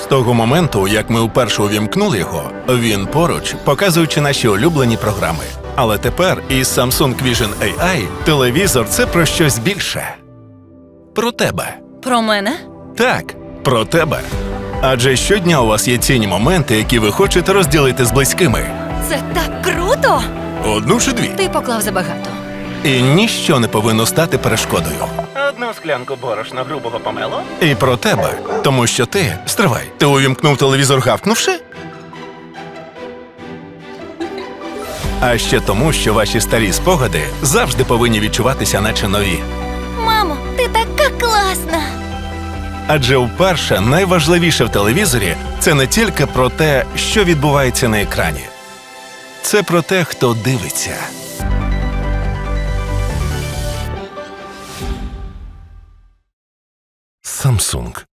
З того моменту, як ми вперше увімкнули його, він поруч, показуючи наші улюблені програми. Але тепер із Samsung Vision AI телевізор – це про щось більше. Про тебе. Про мене? Так, про тебе. Адже щодня у вас є цінні моменти, які ви хочете розділити з близькими. Це так круто! Одну чи дві. Ти поклав забагато. І ніщо не повинно стати перешкодою. Одну склянку борошна грубого помело. І про тебе. Тому що ти... Стривай, ти увімкнув телевізор гавкнувши? А ще тому, що ваші старі спогади завжди повинні відчуватися наче нові. Мамо, ти така класна! Адже вперше найважливіше в телевізорі – це не тільки про те, що відбувається на екрані. Це про те, хто дивиться. Samsung.